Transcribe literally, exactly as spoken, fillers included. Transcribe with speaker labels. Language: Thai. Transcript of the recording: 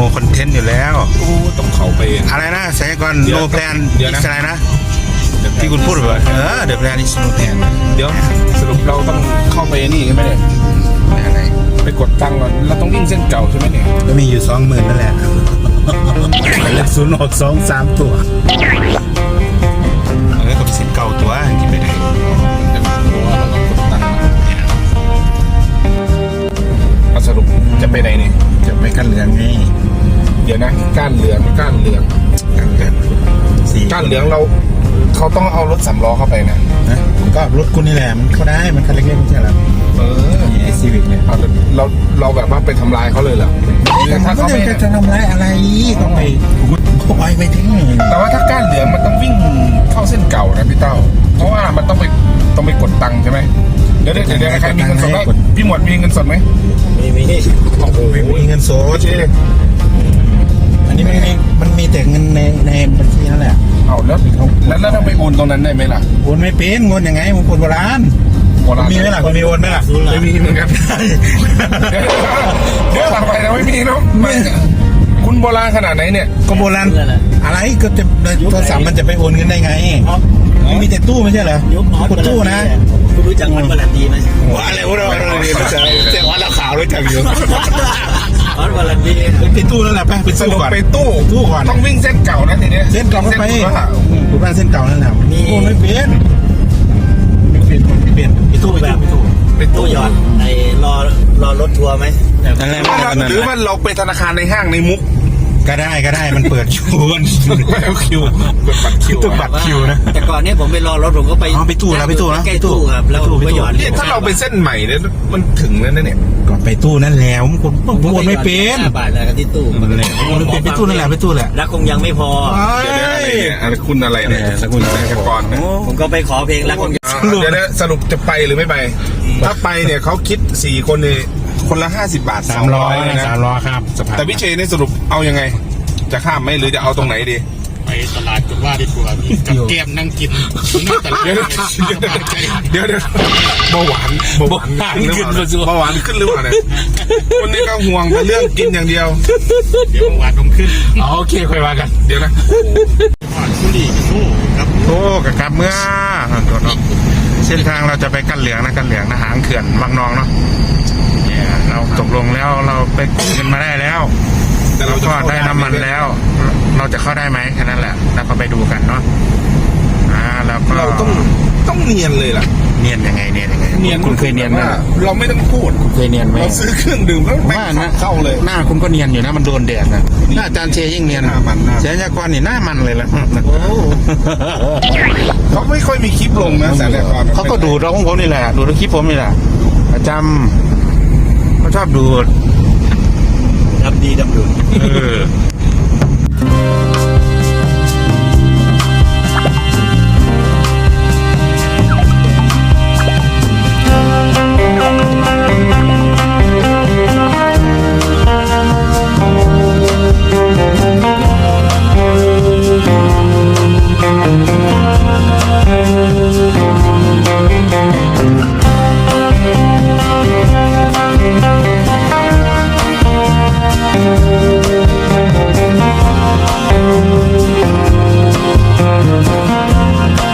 Speaker 1: คอนเทนต์อยู่แล้ว
Speaker 2: โอ้ต้องเขาไป
Speaker 1: อะไรนะสายก่อน
Speaker 2: เดี๋
Speaker 1: โน
Speaker 2: ยว
Speaker 1: แพลน
Speaker 2: เดี๋ยวนะ
Speaker 1: อะไรนะที่คุณพูดแบบเออเดอะแพลนอิสโนแพลน
Speaker 2: เดี๋ยวสรุปเราต้องเข้าไปนี่ใช่ไหมเนี่ย
Speaker 1: อะไร
Speaker 2: ไปกดตังค์ก่อนเราต้องวิ่งเส้นเก่าใช่ไหมเนี่ย
Speaker 3: ก็มีอยู่สองหมื่นนั่นแหละเลขศูนย์หกสองสามตัว
Speaker 1: เออกับสินเก่าตัวที่ไปได้
Speaker 2: แต่ว่าเราต้องกดตังค์เอาสรุปจะไปไหนเนี่ย
Speaker 3: จะไปกันเหลืองไง
Speaker 2: เดี๋ยวนะก้านเหลืองก้านเหลือง
Speaker 1: กันเดือน
Speaker 3: สี่
Speaker 2: ก้านเหลืองเราเขาต้องเอารถสำล้อเข้าไปนะ
Speaker 3: นะก็รถกูนี่แหละมันเข้าได้มันคันเล็กๆไม่ใช่เหรอ
Speaker 2: เออ
Speaker 3: นี่ไอซีวิกเนี่ย
Speaker 2: เอาเราเราแบบว่าไปทำลายเขาเลยเหรอแต่ถ้า
Speaker 3: ก็
Speaker 2: เขาไม่
Speaker 3: จะจะทำร้ายอะไรต้องไปเขาไปไปทิ้ง
Speaker 2: แต่ว่าถ้าก้านเหลืองมันต้องวิ่งเข้าเส้นเก่านะพี่เต้าเพราะว่ามันต้องไปต้องไปกดตังค์ใช่ไหมเดี๋ยวเดี๋ยวเดี๋ยวใครมีเงินสดไหมพี่หมวดมีเงินสดไหม
Speaker 3: มีมี
Speaker 2: โอ้โห
Speaker 3: มีเงินโซ
Speaker 2: โอเค
Speaker 3: อันนี้ไม่มีมันมีแต่เงินในในบัญชีนั่นแหละ
Speaker 2: เอาแล้วแล้วแล้วถ้าไปโอนตรงนั้นได้ไหมล่ะ
Speaker 3: โอนไม่เป็นเงินยังไงมึงคนโบราณ
Speaker 2: โบราณ
Speaker 3: มีไหมล่ะคนมีโอนไหมล่ะ
Speaker 2: ไม่มีเหมือนกันเดี๋ยวเดี๋ยวต่อไปนะไม่มีเนาะไม่คุณโบราณขนาดไหนเนี่ย
Speaker 3: ก็โบราณอะไรก็จะโทรศัพท์มันจะไปโอนเงินได้ไงมันมีแต่ตู้ไม่ใช่เหรอ
Speaker 4: ยุคน้อย
Speaker 3: กดตู้นะ
Speaker 4: คุณรู้จักมันบาลันดีไหม
Speaker 3: ว่าอะไรวะเราเราเนี่ยมันจะแต่ว่าเราขาวรู้จักอยู่
Speaker 4: มันบาลันดี
Speaker 3: ไปตู้นั่นแหละไปไป
Speaker 2: ส
Speaker 3: ตู้
Speaker 2: รุป
Speaker 3: ก่อน
Speaker 2: ไปตู้
Speaker 3: ตู้ก่อน
Speaker 2: ต้องวิ่งเส้นเก่านะทีเนี้ย
Speaker 3: เส้นเก่าเข้าไป
Speaker 2: ส้นเก่า
Speaker 3: ถูกบ้านเส้นเก่านั่นแหละโอนไม่เป็นไม่เป็นไม่เป็น
Speaker 4: ไปตู้แบบไปตู้
Speaker 2: ไป
Speaker 4: ตู้
Speaker 2: ตู้
Speaker 4: หยอดไอ้รอรอรถทัวร์ไหม
Speaker 3: นั่นแหละ
Speaker 2: หรือว่าเราไปธนาคารในห้างในมุก
Speaker 3: ก็ได้ก็ได้มันเปิดคิวมัน
Speaker 2: คิวเปิดบัตรคิว
Speaker 3: ต้องบัตรคิวนะ
Speaker 4: แต่ก่อนเนี้ผมไปรอรถผมก็ไป
Speaker 3: อ๋อไปตู้แล้วไปตู้แล้ว
Speaker 4: ใกล้ตู้ครับแล้ว
Speaker 3: ไปตู้
Speaker 4: ก็หยอด
Speaker 2: เนี่ยถ้าเราไปเส้นใหม่เนี่ยมันถึงแล้วนะเนี่ย
Speaker 3: ก็ไปตู้นั่นแหละผมคนผมโอนไม่เป็น
Speaker 4: ห้าบาทแล้วก็ที่ตู้
Speaker 3: มันแหละโอนไม่เป็นไปตู้นั่นแหละไปตู้แหละ
Speaker 4: แล้วคงยังไม่พอ
Speaker 2: เดี๋ยวอะไรเนี่ยอะไรคุณอะไรเนี่ย
Speaker 3: สกุล
Speaker 2: แสงกรเนี่ย
Speaker 4: ผมก็ไปขอเพลงแล้วคง
Speaker 2: เดี๋ยวนะสรุปจะไปหรือไม่ไป ถ้าไปเนี่ยเขาคิดสี่คนเนี่ยคนละห้าสิบบาท
Speaker 3: สามร้อย
Speaker 2: นะ
Speaker 3: สามร้อยครับสภาพ
Speaker 2: แต่พี่เชนเนี่ยสรุปเอายังไง จะข้ามไหมหรือจะเอาตรงไหนดี
Speaker 5: ไปตลาดกันว่าดีกว่ามีกับแก้มนั่งกินนั่งแต่ละ
Speaker 2: เดี๋ยวเดี๋ยวเดี๋ยวเบาหวานเบาหวานขึ้นเบาหวานขึ้นหรือเปล่าเนี่ยคนนี้ก็ห่วงแต่เรื่องกินอย่างเดียว
Speaker 5: เดี๋ยวหวานลงขึ้น
Speaker 3: อ๋อโอเคค่อยว่ากัน
Speaker 2: เดี๋ยวนะ
Speaker 5: หวานสุรีกับสู้ครับ
Speaker 1: โอ้กับกลับเมื่อตัวเนาะเส้นทางเราจะไปกันเหลืองนะกันเหลืองนะหางเขื่อนวังนองเนาะเนี่ยเราตกลงแล้วเราไปกู้เงินมาได้แล้ว
Speaker 2: แต่เราจะ
Speaker 1: ก็ได้น้ำมันแล้ว เราจะเข้าได้ไหมแค่นั้นแหละแล้วก็ไปดูกันเนาะอ่าแล้วก็
Speaker 2: เราต้องต้องเนียนเลยล่ะ
Speaker 1: เนียนยังไงเนียนยังไงคุณเคยเนียนไหม
Speaker 2: ว่าเราไม่ต้องพูด
Speaker 1: เคยเนียนไหม
Speaker 2: เราซื้อเครื่องดื่มแล้ว
Speaker 1: ผม
Speaker 2: แม่
Speaker 1: ว่าง นะ
Speaker 2: เข้าเลย
Speaker 1: หน้าคุณก็เนียนอยู่นะมันโดนแดดนะหน้าอาจารย์เชยิ่งเนียน
Speaker 2: หน้ามันหน้า
Speaker 1: เสียยากรนี่หน้ามันเลยละ
Speaker 2: เขาไม่ค่อยมีคลิปลงนะแต่ละคร
Speaker 1: เขาก็ดูดเราของผมนี่แหละดูดคลิปผมนี่แหละประจำเขาชอบดูด
Speaker 4: ดำดีดำดุน
Speaker 1: เออ